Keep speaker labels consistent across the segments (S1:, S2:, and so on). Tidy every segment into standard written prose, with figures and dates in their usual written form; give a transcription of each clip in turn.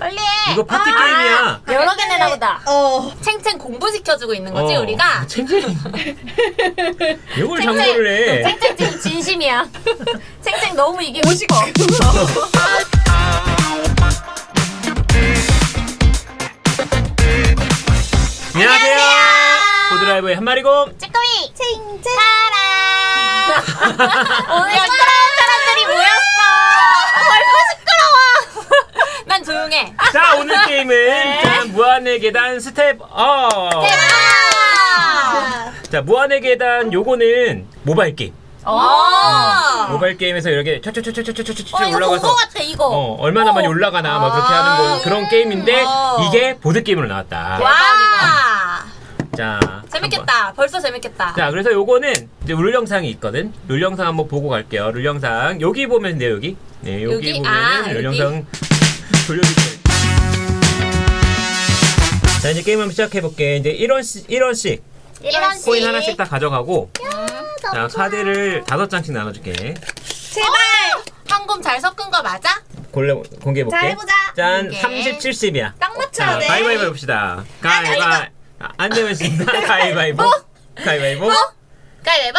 S1: 빨리 해.
S2: 이거 파티 게임이야.
S1: 여러 개 내나 보다.
S3: 챙챙 공부시켜주고 있는 거지 우리가?
S2: 챙챙이. 이걸 장고를 해.
S1: 챙챙 지금 진심이야. 챙챙 너무 이기고 싶어.
S2: 안녕하세요. 보드라이브의 한마리곰.
S1: 찌꺼미 챙챙 타라. 오늘 시끄러운 사람들이 모였어. 벌써 시끄러워.
S3: 난 조용해.
S2: 자, 오늘 게임은 자, 무한의 계단 스텝 업. 자, 무한의 계단 요거는 모바일 게임. 모바일 게임에서 이렇게 촤촤촤촤촤촤
S1: 이거 본거
S2: 올라가서
S1: 같아 이거.
S2: 얼마나 많이 올라가나 막 그렇게 하는 거 그런 게임인데 이게 보드 게임으로 나왔다.
S3: 와.
S2: 자,
S3: 재밌겠다. 벌써 재밌겠다.
S2: 자, 그래서 요거는 이제 룰 영상이 있거든. 룰 영상 한번 보고 갈게요. 룰 영상 여기 보면 돼요. 여기. 네, 여기
S3: 여기?
S2: 보면은 룰
S3: 여기?
S2: 영상 돌려주세요. 자, 이제 게임 한번 시작해 볼게. 이제 1원씩 코인 하나씩 다 가져가고. 자, 카드를 5장씩 나눠줄게.
S1: 제발.
S3: 황금 잘 섞은 거 맞아?
S2: 공개해 볼게.
S1: 자, 해보자.
S2: 짠,
S3: 오케이.
S2: 30, 70이야.
S1: 딱 맞춰야
S2: 자,
S1: 돼.
S2: 가위바위보 해봅시다. 안 되면 진다. 가위바위보. 가위바위보.
S3: 가위바위보.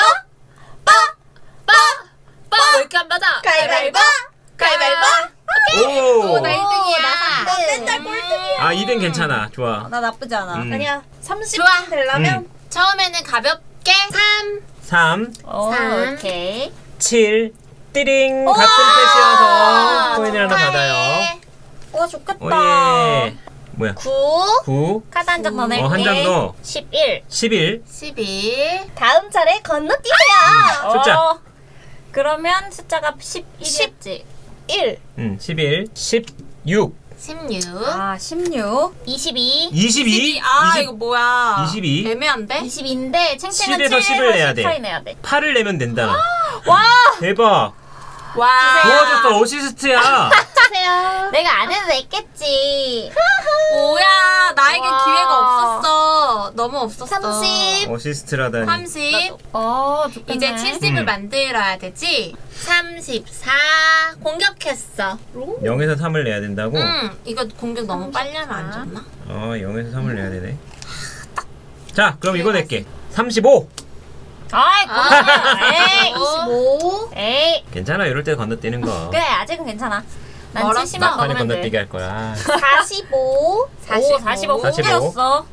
S3: 왜 이렇게 안 맞아?
S1: 가위바위보. 가위바위보.
S2: 오.
S3: 나 1등이야.
S1: 나 맨날 꼴등이야.
S2: 아, 2등 괜찮아. 좋아.
S1: 나 나쁘지 않아.
S2: 아니야.
S1: 30
S3: 좋아.
S1: 되려면.
S3: 처음에는 가볍게 3.
S2: 3,
S1: 오케이.
S2: 7, 띠링. 같은 패시여서 코인을 하나 받아요.
S1: 와 좋겠다.
S2: 오예. 뭐야?
S1: 9.
S2: 9,
S1: 카드 한 장 더 낼게.
S2: 한 장 더.
S1: 11.
S2: 11.
S3: 11.
S1: 다음 차례 건너뛰세요.
S2: 숫자.
S1: 그러면 숫자가 11이었지. 1.
S2: 11, 16,
S3: 16.
S1: 아, 16. 22.
S2: 22.
S3: 아
S2: 20.
S3: 이거 뭐야?
S2: 22.
S3: 애매한데?
S1: 22인데 챙챙은
S2: 7에서 10을 내야 돼.
S1: 8이 내야 돼.
S2: 8을 내면 된다.
S1: 와!
S2: 대박.
S3: 와.
S2: 도와줬어. 어시스트야.
S1: 주세요. 내가 안 해도 냈겠지.
S3: 뭐야? 나에겐
S1: 와.
S3: 기회가 없었어. 너무 없었어.
S1: 30.
S2: 어시스트라다니.
S3: 30.
S1: 좋겠네.
S3: 이제 70을 만들어야 되지. 34. 공격했어.
S2: 0에서 3을 내야 된다고?
S3: 이거 공격 너무 빨리 하면 안 좋나?
S2: 0에서 3을 내야 되네. 자, 그럼 이거 낼게. 35.
S1: 아이, 에이,
S3: 25.
S1: 에이.
S2: 괜찮아. 이럴 때 건너뛰는 거.
S1: 그래, 아직은 괜찮아. 난
S3: 멀었어.
S1: 70만
S2: 막판에
S1: 먹으면
S2: 건너뛰기
S1: 돼.
S2: 할 거야.
S1: 45.
S3: 45.
S1: 45.
S2: 45.
S1: 공개였어.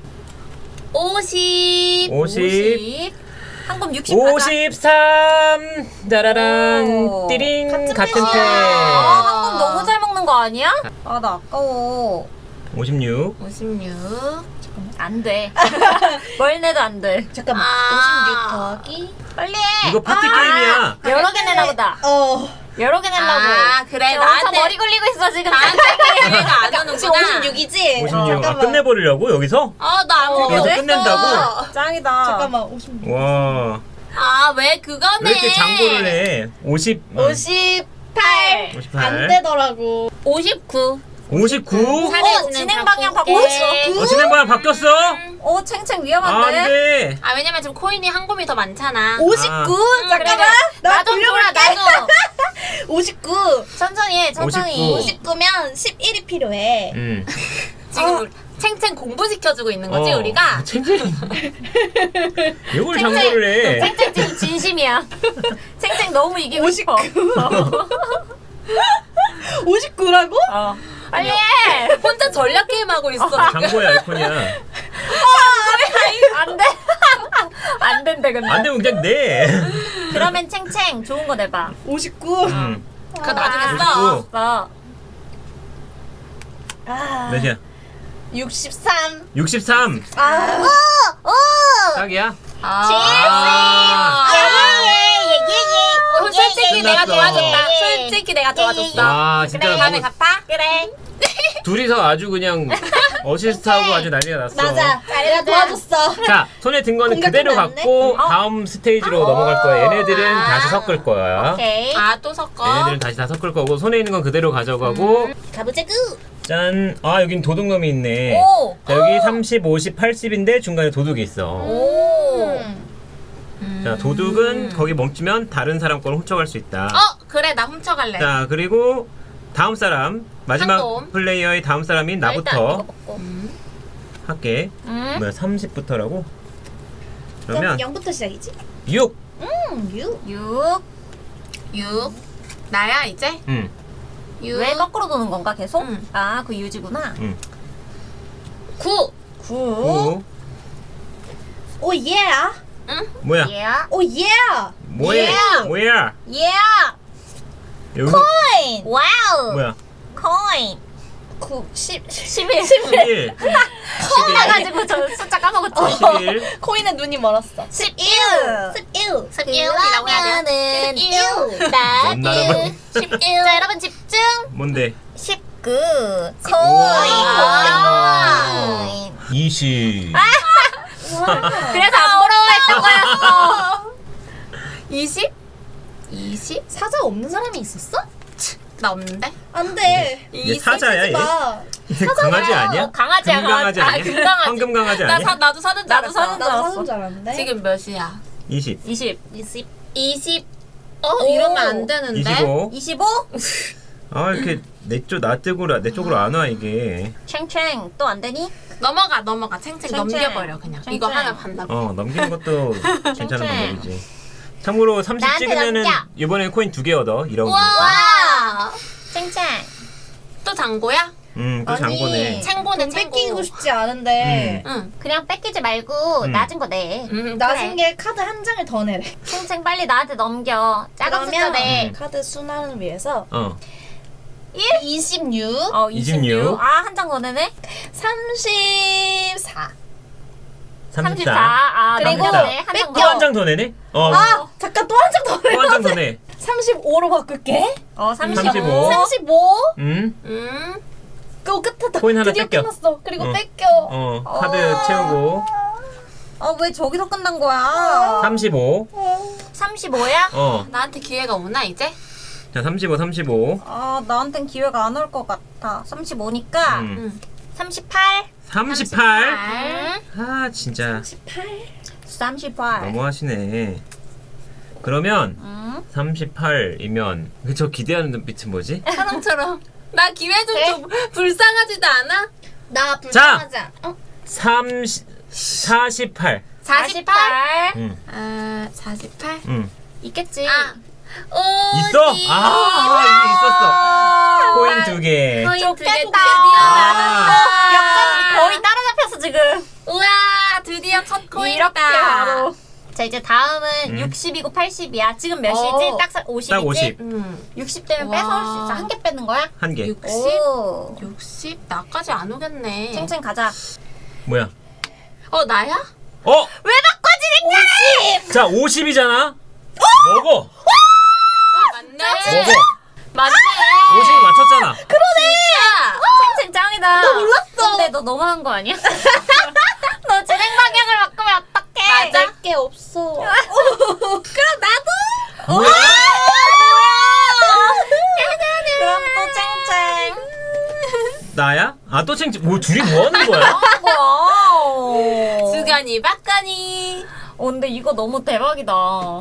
S3: 50.
S2: 50.
S1: 한금 60 가자.
S2: 53. 짜라란.
S1: 오.
S2: 띠링. 같은
S1: 아,
S2: 패.
S1: 한금 너무 잘 먹는 거 아니야? 아, 나 아까워.
S2: 56.
S3: 56.
S1: 안 돼. 뭘 내도 안 돼.
S4: 잠깐만.
S3: 아.
S4: 56 더하기.
S1: 빨리 해.
S2: 이거 파티 게임이야.
S1: 여러 개 내나 보다. 여러 개 내려고.
S3: 아, 그래.
S1: 지금 엄청
S3: 나한테-
S1: 머리 굴리고 있어, 지금.
S3: 나한테 기회가 안
S4: 혹시
S3: 오는구나.
S4: 56이지?
S2: 56. 아, 끝내버리려고? 여기서?
S3: 나 안
S2: 여기서
S3: 먹었어.
S2: 끝낸다고?
S1: 짱이다.
S4: 잠깐만. 56.
S2: 와.
S3: 왜 그거네?
S2: 왜 이렇게 장고를 해? 50.
S4: 58.
S2: 58.
S4: 안 되더라고.
S3: 59.
S2: 59?
S1: 진행 방향 바꿔.
S2: 진행 방향 바뀌었어?
S1: 챙챙
S2: 안
S1: 위험한데?
S2: 돼.
S3: 왜냐면 지금 코인이 한 곰이 더 많잖아.
S4: 59. 잠깐만.
S1: 그래.
S4: 나
S3: 나도 줘라,
S4: 돌려볼게.
S3: 나도.
S4: 59.
S1: 천천히 해, 천천히.
S2: 59.
S4: 59면 11이 필요해.
S3: 지금 챙챙 공부시켜주고 있는 거지, 우리가?
S2: 챙챙이. 이걸 장고를 해.
S1: 챙챙 지금 진심이야. 챙챙 너무 이기고 싶어.
S4: 59라고?
S1: 빨리 해.
S3: 혼자 전략 게임 하고 있어.
S2: 장고의 아이콘이야.
S1: 안 돼. 안 된대, 근데.
S2: 안 되면 그냥 내.
S1: 그러면 챙챙 좋은 거 내봐.
S4: 59.
S3: 그거 나중에 써.
S2: 59.
S1: 써.
S2: 몇이야?
S4: 63.
S2: 63. 딱이야?
S3: 솔직히 내가
S2: 끝났어.
S3: 도와줬다. 솔직히 내가 도와줬어.
S2: 와, 진짜
S3: 그래, 다음에
S2: 뭐
S3: 갚아? 그래.
S2: 둘이서 아주 그냥 어시스트하고 아주 난리가 났어.
S4: 맞아. 내가 도와줬어.
S2: 자, 손에 든 거는 그대로
S4: 공격하면 안
S2: 갖고 다음 스테이지로 넘어갈 거야. 얘네들은 다시 섞을 거야.
S1: 오케이.
S3: 또 섞어.
S2: 얘네들은 다시 다 섞을 거고 손에 있는 건 그대로 가져가고
S4: 가보자구.
S2: 짠. 여긴 도둑놈이 있네.
S1: 오.
S2: 자, 여기 30, 50, 80인데 중간에 도둑이 있어.
S1: 오.
S2: 자, 도둑은 거기 멈추면 다른 사람 거를 훔쳐갈 수 있다.
S3: 그래, 나 훔쳐갈래.
S2: 자, 그리고 다음 사람 마지막
S3: 한놈.
S2: 플레이어의 다음 사람인
S1: 일단 이거
S2: 나부터
S1: 먹고.
S2: 할게. 뭐야 30부터라고? 그러면
S4: 0부터 시작이지?
S2: 6.
S4: 6.
S1: 6.
S3: 6. 나야 이제? 6.
S1: 왜 거꾸로 도는 건가 계속?
S3: 응.
S1: 아, 그 유지구나.
S3: 9.
S1: 9.
S2: 9.
S4: 오 예.
S2: 뭐야?
S1: Yeah.
S4: 오 예.
S2: 뭐야?
S1: Yeah.
S2: 뭐야?
S1: Yeah.
S2: 여기
S4: 코인.
S1: 와우.
S2: 뭐야?
S1: 코인.
S4: 9 10
S1: 11.
S2: 11.
S1: 나가지고 저 숫자 까먹었지.
S2: 11.
S4: 코인에 눈이 멀었어.
S1: 11.
S4: 11.
S3: 11이라고 해야 돼.
S1: 11.
S2: 뭔 나라고?
S1: 11. 자, 여러분 집중.
S2: 뭔데?
S1: 19.
S2: 우와.
S1: 코인.
S2: 20.
S1: 그래서 안 부러워했던 거였어.
S3: 20? 20?
S4: 사자 없는 사람이 있었어?
S3: 나 없는데?
S4: 안 돼.
S2: 얘 사자야 얘?
S4: 마.
S2: 강아지 아니야?
S1: 강아지야,
S2: 금강아지
S1: 강아지.
S2: 아니야?
S1: 금강아지.
S2: 황금 강아지 아니야?
S3: 나도 사는 줄
S1: 나도
S3: 알았어.
S1: 사는 줄
S4: 나도
S1: 알았어.
S4: 사는 줄 알았는데.
S3: 지금 몇이야?
S2: 20.
S1: 20.
S3: 20.
S1: 오.
S3: 이러면 안 되는데.
S2: 25.
S1: 25.
S2: 아 이렇게 내 쪽으로 안 와 이게.
S1: 챙챙. 또 안 되니?
S3: 넘어가. 챙챙
S1: 챙챙.
S3: 넘겨버려 그냥.
S1: 챙챙.
S3: 이거 하나 반납.
S2: 넘기는 것도 괜찮은
S1: 챙챙.
S2: 방법이지. 참고로 30
S1: 나한테
S2: 찍으면은
S1: 넘겨.
S2: 이번에 코인 2개 얻어. 이런 거.
S3: 와.
S1: 챙챙.
S3: 또 장고야?
S2: 또 장보네.
S3: 챙고네
S4: 돈
S3: 챙고.
S4: 뺏기고 싶지 않은데.
S3: 응.
S1: 그냥 뺏기지 말고
S2: 음.
S1: 낮은 거 내.
S4: 낮은 게 카드 한 장을 더 내래.
S1: 챙챙 빨리 나한테 넘겨. 작은 숫자 내.
S4: 카드 순환을 위해서 26,
S2: 26.
S1: 아, 한 장 더 내네?
S4: 34.
S2: 34.
S1: 아,
S4: 그리고
S1: 넘겼네. 한 장
S2: 또
S1: 더.
S2: 한 장 더 내네?
S4: 아, 잠깐 또 한 장 더 내.
S2: 또 한 장 더 내.
S4: 35로 바꿀게.
S1: 35.
S2: 35.
S4: 35.
S3: 음.
S4: 끝에 다
S2: 코인 하나
S4: 드디어
S2: 뺏겨.
S4: 끝났어. 그리고 뺏겨.
S2: 카드 채우고.
S1: 왜 저기서 끝난 거야?
S2: 35.
S1: 35야?
S3: 나한테 기회가 오나 이제?
S2: 자, 35.
S1: 나한텐 기회가 안 올 것 같아. 35니까
S2: 음.
S1: 38.
S2: 38. 아, 진짜
S1: 38.
S2: 너무하시네. 그러면
S1: 음.
S2: 38이면 저 기대하는 눈빛은 뭐지?
S3: 사람처럼. 나 기회 좀 줘. 불쌍하지도 않아?
S4: 나 불쌍하지 않아.
S2: 48.
S3: 48.
S2: 응.
S3: 48?
S2: 응.
S1: 있겠지.
S2: 있어? 이게 있었어. 코인 2개.
S3: 코인 두 개
S1: 좋겠다.
S3: 드디어
S1: 역전 거의 따라잡혔어 지금.
S3: 우와, 드디어 첫 코인이다.
S1: 이렇게 바로. 자, 이제 다음은
S2: 음.
S1: 60이고 80이야. 지금 몇이지? 딱 50이지?
S2: 딱 50.
S1: 60 되면
S3: 와.
S1: 뺏어올 수 있어. 한 개 뺏는 거야?
S2: 한 개.
S3: 60?
S1: 오.
S3: 60? 나까지 안 오겠네.
S1: 챙챙 가자.
S2: 뭐야?
S3: 나야?
S1: 왜 바꿔지랬잖아!
S2: 자, 50이잖아. 먹어.
S3: 맞네.
S2: 먹어.
S3: 맞네.
S2: 50 맞췄잖아.
S1: 챙챙 짱이다. 나 몰랐어. 근데 너 너무한 거 아니야? 너 진행 방향을 바꾸면 어떡해?
S3: 맞아.
S4: 게 없어.
S1: 그럼 나도?
S2: 뭐야?
S1: 그럼 또 챙챙.
S2: 나야? 또 뭐 둘이 뭐 하는 거야?
S1: 뭐야?
S3: 주간이 박간이.
S1: 근데 이거 너무 대박이다.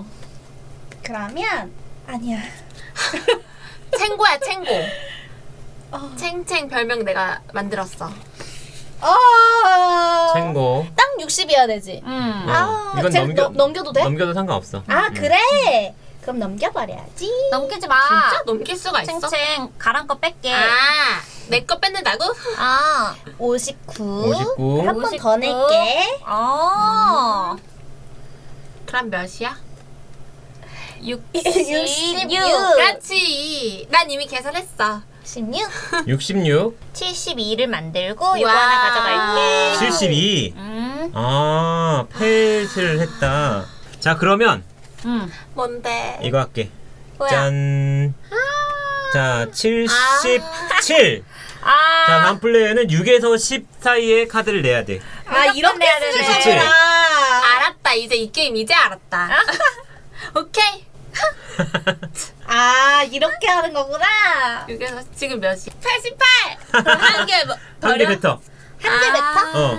S4: 그러면 아니야.
S3: 챙고야 챙고. 챙챙 별명 내가 만들었어.
S2: 챙고.
S4: 딱 60이어야 되지.
S2: 이건
S4: 쟤 넘겨도 돼?
S2: 넘겨도 상관없어.
S4: 그래. 그럼 넘겨버려야지.
S1: 넘기지 마.
S3: 진짜 넘길 수가 있어?
S1: 챙챙 가란 거 뺄게.
S3: 내 거 뺏는다고?
S4: 59.
S2: 59.
S4: 한 번 더 낼게.
S3: 그럼 몇이야?
S4: 66.
S3: 그렇지. 난 이미 계산했어.
S4: 16.
S2: 66.
S1: 72를 만들고 이거 하나 가져갈게.
S2: 72. 펫을 했다. 자, 그러면
S3: 뭔데?
S2: 이거 할게.
S1: 뭐야?
S2: 짠. 자, 77. 자, 다음 플레이어는 6에서 10 사이에 카드를 내야 돼.
S4: 이렇게 쓰는
S2: 77.
S4: 거구나.
S3: 알았다. 이제 이 게임 이제 알았다. 오케이.
S4: 이렇게 하는 거구나.
S3: 여기서 지금 몇이? 88. 한 개
S2: 한 개 뱉어.
S4: 한 개 뱉어?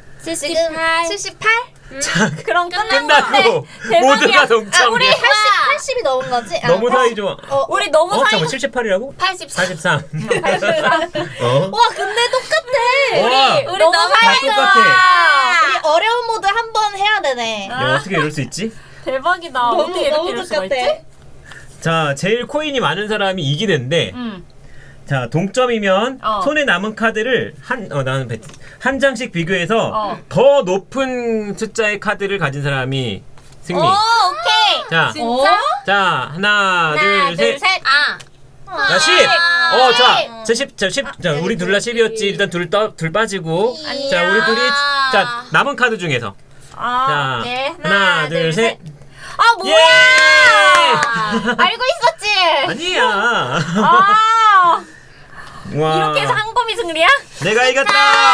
S3: 78.
S4: 78?
S2: 자,
S1: 그럼 끝났는데
S2: 끝나고 모두가 동점이야.
S1: 우리 88
S4: 80이 넘은 거지? 아,
S2: 너무 사이 좋아.
S1: 우리 너무 사이.
S2: 잠깐 78이라고?
S3: 84.
S2: 83. 어?
S4: 와 근데 똑같아.
S2: 와,
S1: 우리
S3: 너무
S1: 너무
S2: 다
S1: 사이
S2: 똑같아.
S1: 좋아.
S4: 우리 어려운 모드 한 번 해야 되네.
S2: 야, 어떻게 이럴 수 있지?
S1: 대박이다. 어떻게 이렇게 이럴 수가 있지?
S2: 자, 제일 코인이 많은 사람이 이기는데, 자, 동점이면
S1: 어.
S2: 손에 남은 카드를 한 장씩 비교해서
S1: 어.
S2: 더 높은 숫자의 카드를 가진 사람이 승리.
S1: 오케이.
S2: 자,
S3: 진짜?
S2: 자, 하나, 둘, 셋.
S3: 아.
S2: 자, 10! 자, 10, 자, 우리 둘 다 10이었지. 일단 둘 빠지고. 자, 우리 둘이, 자, 남은 카드 중에서. 자,
S1: 오케이.
S2: 하나, 둘, 셋.
S1: 아, 뭐야!
S2: 예!
S1: 알고 있었지?
S2: 아니야.
S1: 아,
S2: 와.
S1: 이렇게 해서 한검이 승리야?
S2: 내가 이겼다!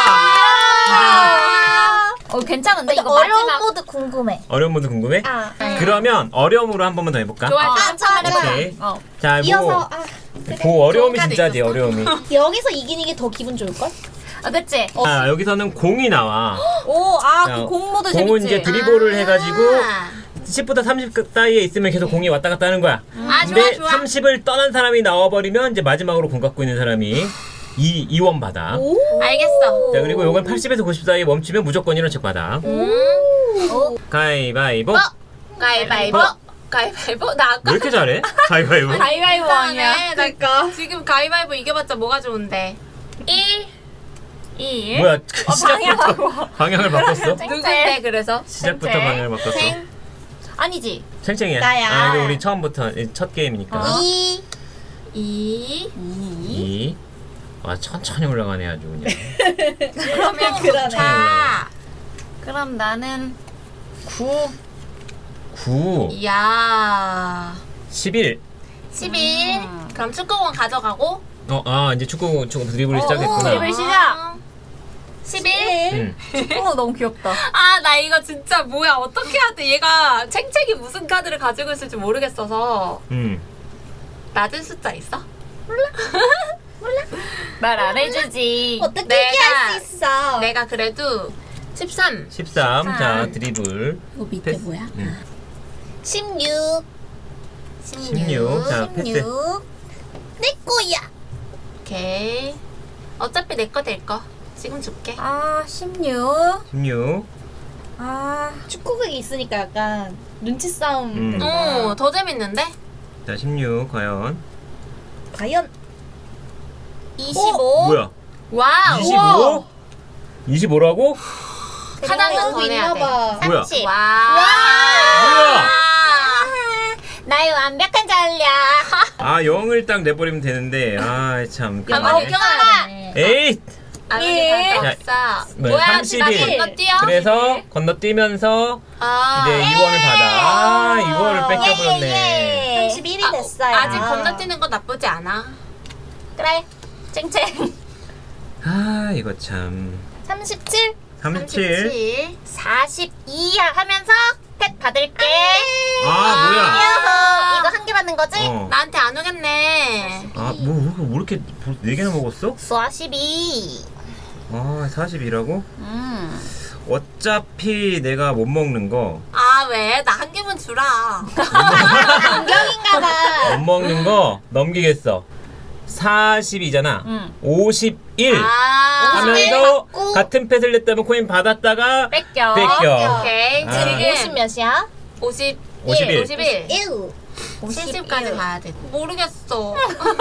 S1: 괜찮은데? 이거
S4: 어려운
S1: 마지막.
S4: 모드 궁금해.
S2: 어려운 분도 궁금해?
S4: 아.
S2: 그러면 어려움으로 한 번만 더 해볼까?
S3: 좋아.
S1: 한참만 해봐.
S2: 오케이.
S1: 어.
S2: 자,
S4: 이어서
S2: 그 어려움이
S3: 좋은
S2: 진짜지,
S3: 카드
S2: 어려움이.
S4: 여기서 이기는 게 더 기분 좋을걸?
S1: 아, 그치?
S2: 자, 여기서는 공이 나와.
S1: 오,
S2: 자,
S1: 그 공모도 재밌지?
S2: 공은 이제 드리블을 해가지고 10부터 30 사이에 있으면 계속 공이 왔다 갔다 하는 거야.
S3: 아,
S2: 근데
S3: 좋아, 좋아.
S2: 30을 떠난 사람이 나와버리면 이제 마지막으로 공 갖고 있는 사람이 2원 받아.
S3: 알겠어.
S2: 자, 그리고 요건 80에서 90 사이에 멈추면 무조건 1원씩 받아. 가위바위보.
S3: 가위바위보. 가위바위보. 나
S2: 왜
S3: 아까
S2: 이렇게 잘해? 가위바위보.
S1: 가위바위보 아니야?
S3: 그러니까. 지금 가위바위보 이겨봤자 뭐가 좋은데. 1.
S1: 1.
S2: 뭐야, 시작부터 방향을 바꿨어?
S3: 누군데 그래서?
S2: 시작부터
S1: 쨍쨍.
S2: 방향을 바꿨어.
S3: 생.
S1: 아니지?
S2: 챙챙이야.
S4: 나야.
S2: 아, 이거 우리 처음부터 첫 게임이니까.
S3: 2. 2.
S2: 2. 아, 천천히 올라가네 아주 그냥.
S3: 그러면
S4: 그러네.
S3: 자.
S1: 그럼 나는 9.
S2: 9.
S3: 이야.
S2: 11.
S3: 11. 그럼 축구공 가져가고.
S2: 이제 축구 드리블이 시작했구나.
S1: 드리블 시작.
S3: 11.
S2: 응.
S1: 너무 귀엽다.
S3: 아, 나 이거 진짜 뭐야. 어떻게 해야 돼. 얘가 챙챙이 무슨 카드를 가지고 있을지 모르겠어서. 낮은 숫자 있어?
S1: 말 안 해주지.
S4: 어떻게
S3: 내가-
S4: 얘기할 수 있어?
S3: 내가 그래도 13.
S2: 13. 자, 드리블.
S3: 이거 밑에
S2: 패스.
S3: 뭐야?
S4: 16.
S2: 16. 자, 패스.
S4: 16. 내 거야.
S3: 오케이. 어차피 내 거 될 거. 지금 줄게.
S1: 아, 16.
S2: 16.
S1: 아,
S4: 축구극이 있으니까 약간 눈치 싸움.
S3: 더 재밌는데?
S2: 자, 16. 과연.
S4: 과연
S3: 25.
S2: 뭐야?
S3: 와우.
S2: 25? 25라고?
S3: 하나는 더 내야 돼.
S4: 있나봐.
S2: 뭐야?
S1: 30.
S3: 와.
S2: 뭐야?
S1: 나의 완벽한 전략.
S2: 아, 0을 딱 내버리면 되는데. 아, 참.
S3: 가만히
S2: 그러네.
S3: 껴놔라.
S2: 에잇!
S3: 아버지
S2: 자,
S3: 다 없어.
S2: 뭐야, 31.
S3: 건너뛰어?
S2: 그래서 건너뛰면서
S3: 아.
S2: 이제 2원을 받아. 아, 이거를 뺏겨버렸네.
S4: 31이 됐어요.
S3: 아직 건너뛰는 거 나쁘지 않아.
S1: 그래. 쨍쨍.
S2: 아, 이거 참.
S4: 37.
S2: 37.
S1: 42 하면서 펫 받을게.
S2: 아, 뭐야?
S1: 이어서 이거 한 개 받는 거지?
S2: 어.
S3: 나한테 안 오겠네.
S2: 아, 뭐 이렇게 4개나 먹었어?
S1: 42.
S2: 아, 42라고? 어차피 내가 못 먹는 거,
S3: 아, 왜? 나 한 개만 주라.
S4: 공격인가봐.
S2: 못 먹는 거 넘기겠어. 42잖아. 51
S3: 아.
S2: 하면서
S4: 받고.
S2: 같은 펫을 냈다면 코인 받았다가
S1: 뺏겨.
S2: 뺏겨.
S3: 오케이.
S2: 아.
S4: 50
S3: 지금
S4: 몇이야?
S3: 51.
S2: 51.
S3: 51.
S4: 1.
S3: 70까지 가야 돼. 모르겠어.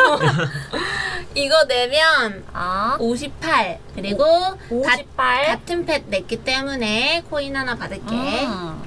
S3: 이거 내면
S1: 아,
S3: 58. 그리고
S1: 58.
S3: 같은 펫 냈기 때문에 코인 하나 받을게.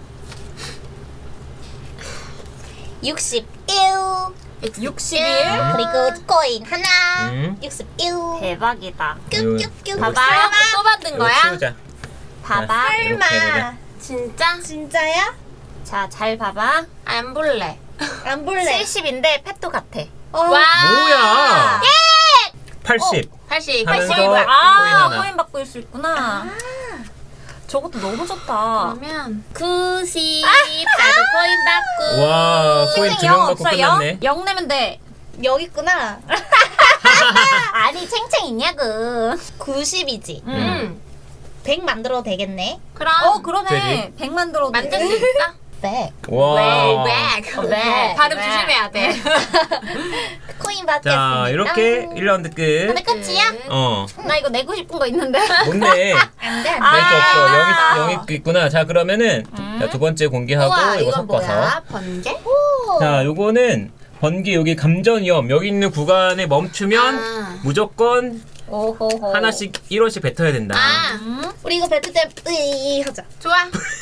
S4: 61.
S1: 61.
S4: 그리고 코인 하나.
S2: 음.
S4: 61.
S1: 대박이다.
S4: 뀨뀨뀨.
S1: 봐봐.
S3: 또 받은
S2: 이거
S3: 거야?
S2: 치우자.
S1: 봐봐.
S2: 이렇게 해보자.
S3: 진짜?
S4: 진짜야?
S1: 자, 잘 봐봐.
S3: 안 볼래.
S4: 안 볼래.
S1: 70인데 펫도 같아.
S3: 와.
S2: 뭐야? 80
S3: 80.
S2: 하면서
S3: 80.
S2: 코인
S1: 아,
S2: 하나.
S1: 코인 받고 있을 수 있구나. 저것도 너무 좋다.
S3: 그러면 90. 나도 코인 받고.
S2: 와, 코인
S1: 쨍쨍
S2: 2명
S1: 영
S2: 받고
S1: 없어,
S2: 끝났네.
S1: 0 내면 돼.
S4: 여기 있구나.
S1: 아니, 챙챙 있냐고.
S4: 90이지.
S3: 응.
S4: 100 만들어도 되겠네.
S3: 그럼
S1: 그러네.
S2: 되지.
S1: 100만 들어도
S3: 만들
S1: 돼.
S3: 수 있어?
S4: 백.
S2: 와.
S3: 백. 발음 조심해야 돼.
S4: 코인 받겠습니다.
S2: 자, 이렇게 1라운드 끝.
S1: 근데 끝이야?
S2: 어.
S1: 나 이거 내고 싶은 거 있는데.
S2: 뭔데?
S4: 안돼
S2: 낼 수
S4: 안돼.
S2: 없어. 영이 있구나. 자, 그러면은 자, 두 번째 공개하고
S3: 우와,
S2: 이거
S3: 이건
S2: 섞어서.
S3: 뭐야? 번개?
S2: 자, 요거는 번개 여기 감전위험 여기 있는 구간에 멈추면
S3: 아.
S2: 무조건
S1: 오호호.
S2: 하나씩 1원씩 뱉어야 된다.
S3: 아,
S4: 우리 이거 뱉을 때 으이 하자.
S3: 좋아.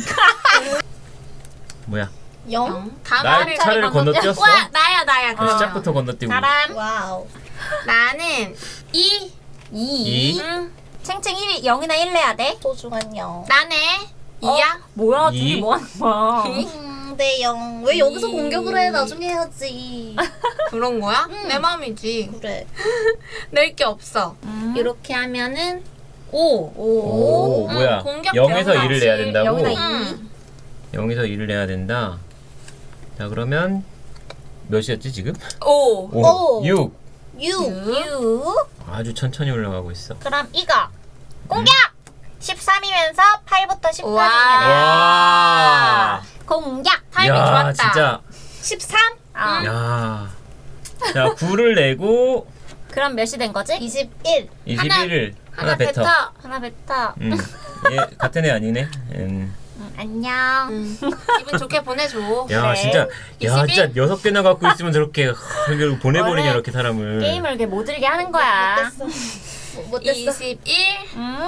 S2: 뭐야?
S4: 0.
S3: 다음
S2: 날
S3: 말을
S2: 차례를 건너뛰었어?
S3: 와, 나야.
S2: 그 시작부터 건너뛰고.
S1: 사람.
S4: 와우.
S3: 나는 2.
S2: 2.
S1: 챙챙 1이 0이나 1 내야 돼.
S4: 소중한 0.
S3: 나네. 2야?
S1: 뭐야?
S2: 이?
S1: 둘이 뭐 하는 거야?
S4: 네 0. 왜 여기서 공격을 해? 나중에 해야지.
S3: 그런 거야? 내 맘이지.
S4: 그래.
S3: 낼 게 없어. 이렇게 하면은 5.
S2: 오, 뭐야?
S3: 공격
S2: 0에서
S3: 대응하지.
S2: 2를 내야 된다고?
S1: 0이나 2.
S2: 0에서 2를 내야 된다. 자, 그러면 몇이었지 지금?
S3: 5.
S2: 5, 6.
S4: 6.
S1: 6.
S2: 아주 천천히 올라가고 있어.
S1: 그럼 이거. 공격! 13이면서 8부터 10까지.
S2: 와.
S1: 공격!
S3: 타이밍
S2: 야,
S3: 좋았다.
S2: 진짜.
S4: 13.
S1: 아.
S2: 야. 자, 9를 내고
S1: 그럼 몇이 된 거지?
S4: 21.
S2: 21을 하나 뱉어.
S1: 하나 뱉어.
S2: 얘 같은 애 아니네.
S1: 안녕.
S3: 기분 좋게 보내줘.
S2: 야,
S1: 그래.
S2: 진짜. 야,
S3: 21?
S2: 진짜 6개나 갖고 있으면 저렇게 이걸 보내버리냐
S1: 원래
S2: 이렇게 사람을.
S1: 게임을 이렇게 못 들게 하는 거야.
S4: 못됐어.
S3: 21.
S1: 응?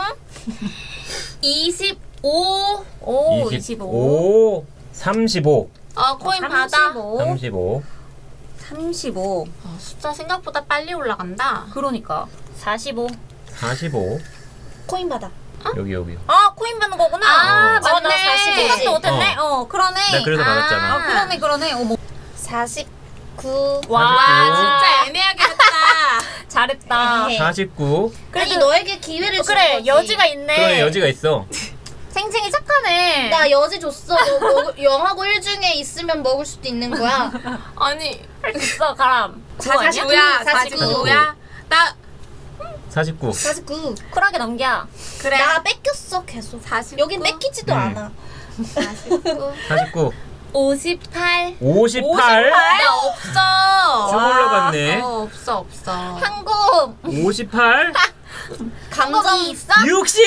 S3: 25.
S1: 오,
S2: 25. 35.
S3: 코인 받아.
S2: 35.
S1: 35.
S3: 숫자 생각보다 빨리 올라간다.
S1: 그러니까. 45.
S2: 45.
S4: 코인 받아.
S2: 여기.
S1: 아, 코인 받는 거구나.
S3: 아,
S1: 나
S3: 맞네.
S1: 40. 생각도 못했네. 그러네.
S2: 나 그래서 받았잖아.
S1: 그러네. 어머.
S4: 49.
S3: 와,
S2: 49.
S3: 진짜 애매하게 했다.
S1: 잘했다.
S4: 에헤.
S2: 49.
S4: 아니 너에게 기회를 준
S1: 그래,
S4: 거지.
S1: 여지가 있네.
S2: 그래, 여지가 있어.
S1: 챙챙이 착하네.
S4: 나 여지 줬어. 너 0하고 1 중에 있으면 먹을 수도 있는 거야.
S3: 아니,
S1: 있어, 가람. 그거 아니야?
S3: 49야. 49야. 나
S2: 49.
S4: 49.
S1: 쿨하게 넘겨.
S3: 그래.
S4: 나 뺏겼어 계속.
S3: 49.
S4: 여긴 뺏기지도 않아.
S3: 49.
S2: 49.
S3: 58.
S2: 58.
S3: 나 없어.
S2: 쭉 올라갔네.
S3: 없어.
S4: 한국
S2: 58.
S4: 감정
S1: 있어?
S2: 60.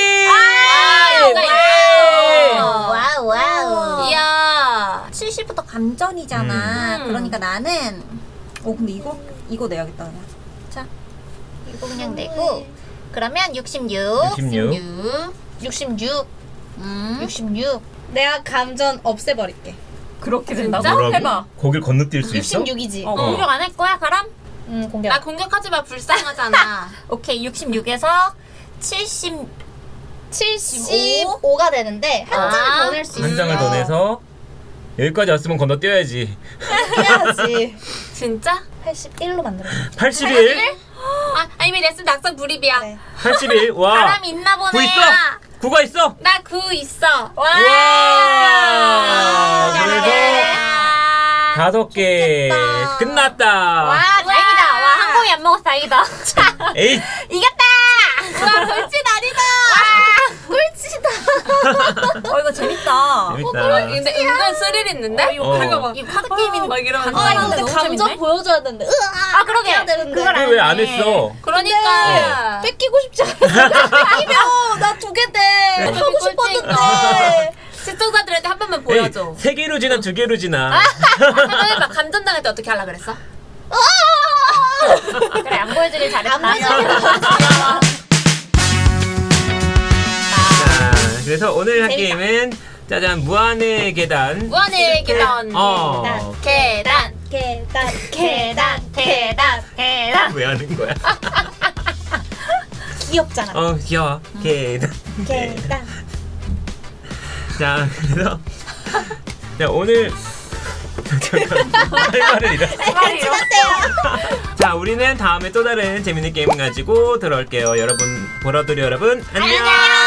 S4: 와우 와우.
S3: 이야.
S1: 70부터 감전이잖아. 그러니까 나는 근데 이거 내야겠다 그냥. 자, 이거 그냥 내고 그러면 66.
S2: 66.
S4: 66.
S1: 음.
S4: 66. 내가 감전 없애버릴게.
S1: 그렇게
S3: 된다고?
S2: 뭐라고?
S1: 해봐.
S2: 거길 건너뛸 수 있어?
S4: 66이지.
S1: 공격 안 할 거야, 가람?
S4: 공격.
S3: 나 공격하지 마. 불쌍하잖아.
S1: 오케이, 66에서 70.
S4: 75가 되는데 한 장을 더 낼 수 있어.
S2: 한 장을 더 내서 여기까지 왔으면 건너뛰어야지.
S4: 해야지.
S3: 진짜?
S4: 81로 만들어.
S2: 81.
S3: 이미 냈으면 낙선 불입이야.
S4: 네.
S2: 81. 와.
S1: 가람 있나 보네.
S2: 9 있어. 9가 있어.
S3: 나 9 있어.
S2: 와. 그래서
S3: 야.
S2: 5개 끝났다.
S1: 와, 다행이다. 와, 한 공이 안 먹었어, 다행이다.
S2: 에이.
S1: 이겼다!
S3: 와, 돌진 아니다.
S1: 이거 재밌다.
S2: 재밌다.
S3: 근데 은근 스릴 있는데?
S2: 어.
S3: 이거 봐.
S1: 이거 카드 게임인
S3: 막 이러면서.
S1: 간단한데
S4: 근데
S1: 너무
S4: 감정
S1: 재밌네?
S4: 보여줘야 되는데. 으아.
S1: 그러게.
S4: 해야 되는데.
S1: 그걸 안
S2: 왜 안
S1: 해.
S2: 했어?
S3: 그러니까.
S4: 뺏기고 싶지 않아. 뺏기면 나 2개 돼. 하고 싶었는데.
S3: 시청자들한테 한 번만
S2: 에이,
S3: 보여줘.
S2: 3개로 지나 2개로 지나.
S3: 한번 해봐. 감전당할 때 어떻게 하려 그랬어?
S1: 그래, 안 보여주길 잘했다.
S4: 안 보여주길
S2: 자, 그래서 오늘 할 게임은 짜잔 무한의 계단.
S3: 무한의 계단.
S1: 계단,
S4: 계단.
S1: 계단.
S2: 왜 하는 거야?
S4: 귀엽잖아.
S2: 귀여워. 계단.
S4: 계단.
S2: 자, 그래서 자 오늘 할 말을 잃었어. 자, 우리는 다음에 또 다른 재밌는 게임 가지고 돌아올게요. 여러분, 보라돌이 여러분, 안녕.